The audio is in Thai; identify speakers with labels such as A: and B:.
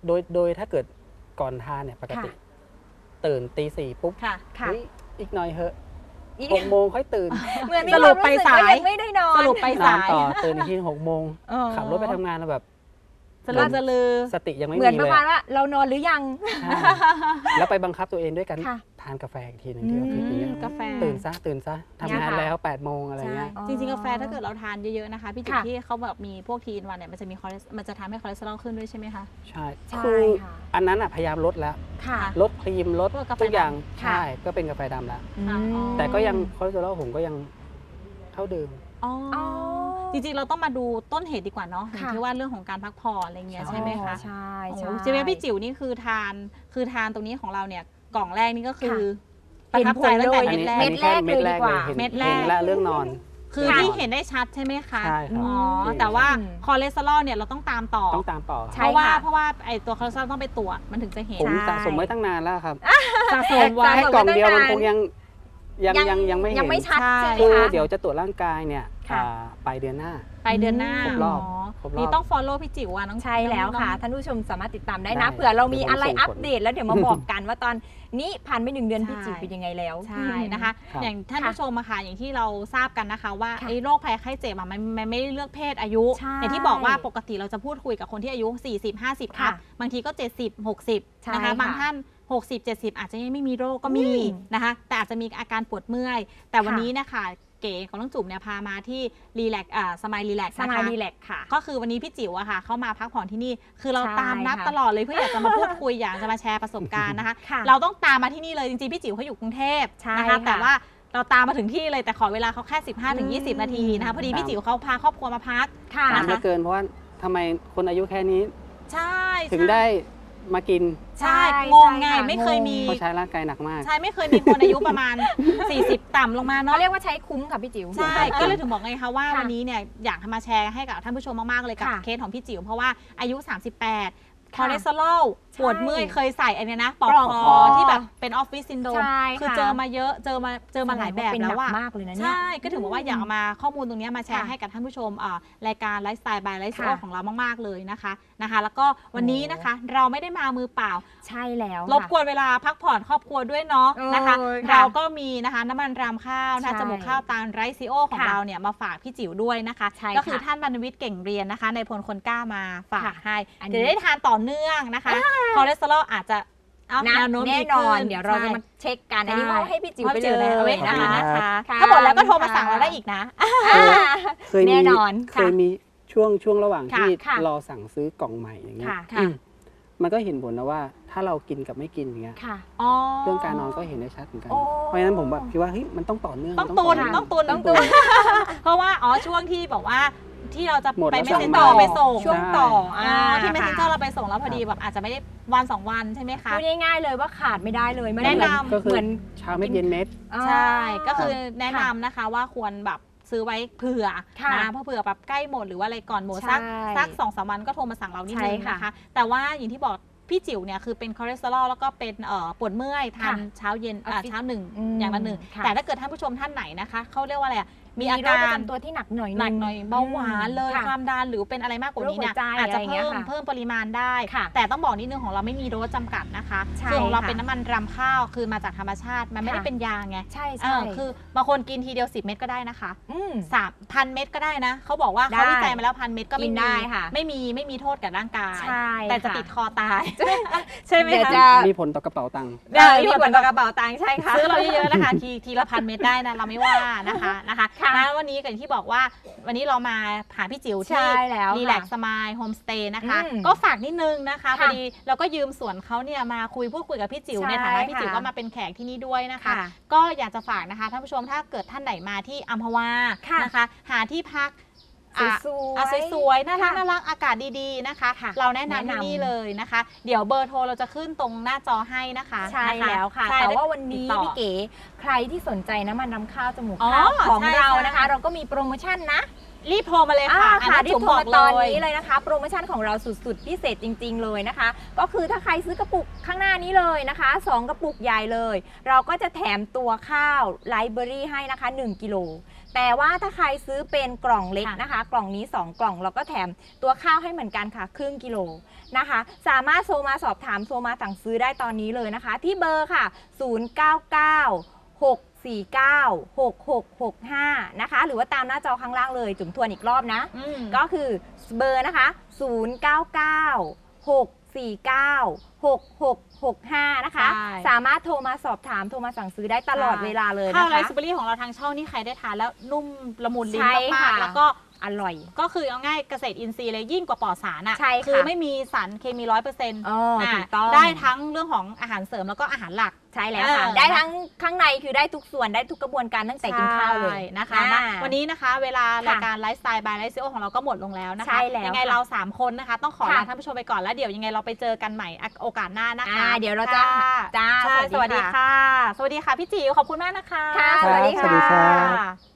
A: โดยถ้าเกิดก่อนทานเนี่ยปกติตื่นตีสี่ปุ๊บอีกหน่อยเหอะ6 โมงค่อยตื่น
B: เหมือนสรุปไปสายไม่ได้นอน
A: สรุปไปสายต่อตื่นอีกที6 โมงขับรถไปทำงานแล้วแบบ
B: สลือ
A: สติยังไม่มี
B: เลยเหมือนประมาณว่าเรานอนหรือยัง
A: แล้วไปบังคับตัวเองด้วยกันทานกาแฟอีกทีนึงที่ออฟฟิศอย่างเงี้ย
B: กาแฟ
A: ตื่นซะทำงานแล้ว8 โมงอะไรเงี้ย
B: จริงๆกาแฟถ้าเกิดเราทานเยอะๆนะคะพี่จิ๊บที่เขาแบบมีพวกทีนวันเนี่ยมันจะทำให้คอเลสเตอรอลขึ้นด้วยใช่ไหมคะ
A: ใช่คืออันนั้นอ่ะพยายามลดแล้วลดครีมลดทุกอย่างใช่ก็เป็นกาแฟดำแล้วแต่ก็ยังคอเลสเตอรอลผมก็ยังเท่าเดิม
B: จริงๆเราต้องมาดูต้นเหตุดีกว่าเนาะอย่างที่ว่าเรื่องของการพักผ่อนอะไรเงี้ยใช่ไหมคะ
C: ใช่
B: ใช่ไหมพี่จิ๋วนี่คือทานตรงนี้ของเราเนี่ยกล่องแรกนี่ก็คือประทับใจตั้งแต่เม็ดแรก
A: เลยดีกว่าเม็ดแรกและเรื่องนอน
B: คือที่เห็นได้ชัดใช่ไหมคะ
A: ใช่ครับ
B: แต่ว่าคอเลสเตอรอลเนี่ยเราต้องตามต่อเพราะว่าไอตัวคอเลสเตอรอลต้องไปตรวจมันถึงจะเห็น
A: ผมสะสมไว้ตั้งนานแล้วครับ
B: สะสมไว้
A: กล่องเดียวมันคงยังไม่เห็น
C: ยังไม่ชัด
A: คือเดี๋ยวจะตรวจร่างกายเนี่ยปลายเดือนหน้าครบรอบ
B: นี่ต้อง follow พี่จิ๋วน้อง
C: ใช่แล้วค่ะท่านผู้ชมสามารถติดตามได้นะเผื่อเรามีอะไรอัปเดตแล้วเดี๋ยวมาบอกกันว่าตอนนี้ผ่านไป1 เดือนพี่จิ๋วเป็นยังไงแล้ว
B: ใช่นะคะอย่างท่านผู้ชมมาค่ะอย่างที่เราทราบกันนะคะว่าไอ้โรคภัยไข้เจ็บมันไม่ได้เลือกเพศอายุอย่างที่บอกว่าปกติเราจะพูดคุยกับคนที่อายุ40-50ครับบางทีก็70-60นะคะบางท่าน60-70อาจจะยังไม่มีโรคก็มีนะคะแต่อาจจะมีอาการปวดเมื่อยแต่วันนี้นะคะเก๋ของน้องจุ๋มเนี่ยพามาที่รีแลกสมายรีแลก
C: ค่ะ
B: ก็คือวันนี้พี่จิ๋วอะค่ะเข้ามาพักผ่อนที่นี่คือเราตามนัดตลอดเลยเพื่ออยากจะมาพูดคุยอยากจะมาแชร์ประสบการณ์นะคะเราต้องตามมาที่นี่เลยจริงๆพี่จิ๋วเขาอยู่กรุงเทพนะคะแต่ว่าเราตามมาถึงที่เลยแต่ขอเวลาเขาแค่15-20 นาทีนะคะพอดีพี่จิ๋วเขาพาครอบครัวมาพัก
A: นานเหลือเกินเพราะว่าทำไมคนอายุแค่นี้
B: ใช่
A: ถึงได้มากิน
B: ใช่งงไงไม่เคยมี
A: เขาใช้ร่างกายหนักมาก
B: ใช่ไม่เคยมีคนอายุประมาณ40ต่ำลงมาเนาะ
C: เรียกว่าใช้คุ้มค่ะพี่จิ๋ว
B: ใช่ก็เลยถึงบอกไงคะว่าวันนี้เนี่ยอยากมาแชร์ให้กับท่านผู้ชมมากๆเลยกับเคสของพี่จิ๋วเพราะว่าอายุ38คอเลสเตอรอลปวดเมื่อยเคยใส่อันนี้นะปลอกคอที่แบบเป็นออฟฟิศซินโดรมคือเจอมาเยอะเจอมาหลายแบบแล้วว่าม
C: ากเลยนะ
B: ใช่ก็ถึงบอกว่าอยากเอามาข้อมูลตรงนี้มาแชร์ให้กับท่านผู้ชมรายการไลฟ์สไตล์บายไลฟ์สไตล์ของเรามากๆเลยนะคะแล้วก็วันนี้นะคะเราไม่ได้มามือเปล่า
C: ใช่แล้ว
B: รบกวนเวลาพักผ่อนครอบครัวด้วยเนาะนะคะเราก็มีนะคะน้ำมันรำข้าวจมูกข้าวตาลไรซิโอของเราเนี่ยมาฝากพี่จิ๋วด้วยนะคะก็คือท่านบรรณวิทย์เก่งเรียนนะคะในพลคนกล้ามาฝากให้จะได้ทานต่อเนื่องนะคะคอเลสเตอรอลอาจจะ
C: แน่นอนเดี๋ยวเราจะมาเช็คกันอันนี้มอบให้พี่จิ๋วไปเลย
B: นะคะถ้าหมดแล้วก็โทรมาสั่งเราได้อีกนะ
C: แน่นอน
A: เคยมีช่วงระหว่างที่รอสั่งซื้อกล่องใหม่อย่างเงี้ยมันก็เห็นผลนะว่าถ้าเรากินกับไม่กินอย่างเงี้ยเรื่องการนอนก็เห็นได้ชัดเหมือนกันเพราะฉะนั้นผมแบบคิดว่าเฮ้ยมันต้องต่อเนื่อง
B: ต้องตุนเพราะว่าช่วงที่บอกว่าที่เราจะไปเมสเซนเจอร์ไปส่ง
C: ช่วงต่อ
B: ที่เมสเซนเจอร์เราไปส่งแล้วพอดีแบบอาจจะไม่ได้วัน2 วันใช่ไหมคะ
C: พูดง่ายๆเลยว่าขาดไม่ได้เลย
B: แนะนำ
A: เหมือนเช้าเม็ดเย็นเม็ด
B: ใช่ก็คือแนะนำนะคะว่าควรแบบซื้อไว้เผื่อนะเพราะเผื่อแบบใกล้หมดหรือว่าอะไรก่อนหมดสัก2-3 วันก็โทรมาสั่งเรานิดนึงนะคะแต่ว่าอย่างที่บอกพี่จิ๋วเนี่ยคือเป็นคอเลสเตอรอลแล้วก็เป็นปวดเมื่อยทานเช้าเย็นเช้า1อย่างละ1แต่ถ้าเกิดท่านผู้ชมท่านไหนนะคะเขาเรียกว่าอะไรมีอาการ
C: ตัวที่หนักหน่อย
B: เบาหวานเลยความดันหรือเป็นอะไรมากกว่านี้เนี่ยอาจจะเพิ่มปริมาณได้แต่ต้องบอกนิดนึงของเราไม่มีโดสจำกัดนะคะส่วนของเราเป็นน้ำมันรำข้าวคือมาจากธรรมชาติมันไม่ได้เป็นยาไง
C: ใช่
B: คือบางคนกินทีเดียว10 เม็ดก็ได้นะคะ3,000 เม็ดก็ได้นะเขาบอกว่าเขาวิจัยมาแล้ว1,000 เม็ดก็ไม่ได้ค่ะไม่มีโทษกับร่างกายแต่จะติดคอตายใช่ไหมคะ
A: มีผลต่อกระเป๋าตังค์
B: มีผลต่อกระเป๋าตังค์ใช่ค่ะซื้อเราเยอะๆนะคะทีละ1,000 เม็ดได้นะเราไม่ว่านะคะวันนี้กันที่บอกว่าวันนี้เรามาหาพี่จิ๋วที่รีแลกซ์สมายโฮมสเตย์นะคะก็ฝากนิดนึงนะคะพอดีเราก็ยืมสวนเขาเนี่ยมาพูดคุยกับพี่จิ๋วในฐานะพี่จิ๋วก็มาเป็นแขกที่นี่ด้วยนะคะก็อยากจะฝากนะคะท่านผู้ชมถ้าเกิดท่านไหนมาที่อัมพวานะคะหาที่พักสวยๆน่ารักอากาศดีๆนะคะเราแนะนำที่นี่เลยนะคะเดี๋ยวเบอร์โทรเราจะขึ้นตรงหน้าจอให้นะคะ
C: ใช่แล้วค่ะแต่ว่าวันนี้พี่เก๋ใครที่สนใจน้ำมันรำข้าวจมูกข้าวของเรานะคะเราก็มีโปรโมชั่นนะ
B: รีบโทรมาเลยค่ะ
C: ค่ะรีบโทรมาตอนนี้
B: เลย
C: เลยนะคะโปรโมชั่นของเราสุดๆพิเศษจริงๆเลยนะคะก็คือถ้าใครซื้อกระปุกข้างหน้านี้เลยนะคะ2กระปุกใหญ่เลยเราก็จะแถมตัวข้าวไลฟ์เบอรี่ให้นะคะ1กิโลแต่ว่าถ้าใครซื้อเป็นกล่องเล็กนะคะกล่องนี้2กล่องเราก็แถมตัวข้าวให้เหมือนกันค่ะครึ่งกิโลนะคะสามารถโทรมาสอบถามโทรมาสั่งซื้อได้ตอนนี้เลยนะคะที่เบอร์ค่ะ0996496665นะคะหรือว่าตามหน้าจอข้างล่างเลยจุ๋มทวนอีกรอบนะก็คือเบอร์นะคะ0996496665นะคะสามารถโทรมาสอบถามโทรมาสั่งซื้อได้ตลอดเวลาเลยนะคะ
B: ข้าวไรซ์เบอรี่ของเราทางช่องนี่ใครได้ทานแล้วนุ่มละมุนลิ้นมากๆแล้วก็
C: อร่อย
B: ก็คือเอาง่ายเกษตรอินทรีย์เลยยิ่งกว่าปลอดสารอ่ะ
C: คือ
B: ไม่มีสารเคมี 100%
C: ถูกต้อง
B: ได้ทั้งเรื่องของอาหารเสริมแล้วก็อาหารหลัก
C: ใช่แล้วค่ะได้ทั้งข้างในคือได้ทุกส่วนได้ทุกกระบวนการตั้งแต่กินข้าวเลย
B: นะคะวันนี้นะคะเวลารายการไลฟ์สไตล์บายไลฟ์ซีโอของเราก็หมดลงแล้วนะคะยังไงเรา3คนนะคะต้องขอลาท่านผู้ชมไปก่อนแล้วเดี๋ยวยังไงเราไปเจอกันใหม่โอกาสหน้านะคะ
C: เดี๋ยวเราจะ
B: สวัสดีค่ะพี่จิ๋วขอบคุณมากนะคะ
C: สวัสดีค่ะ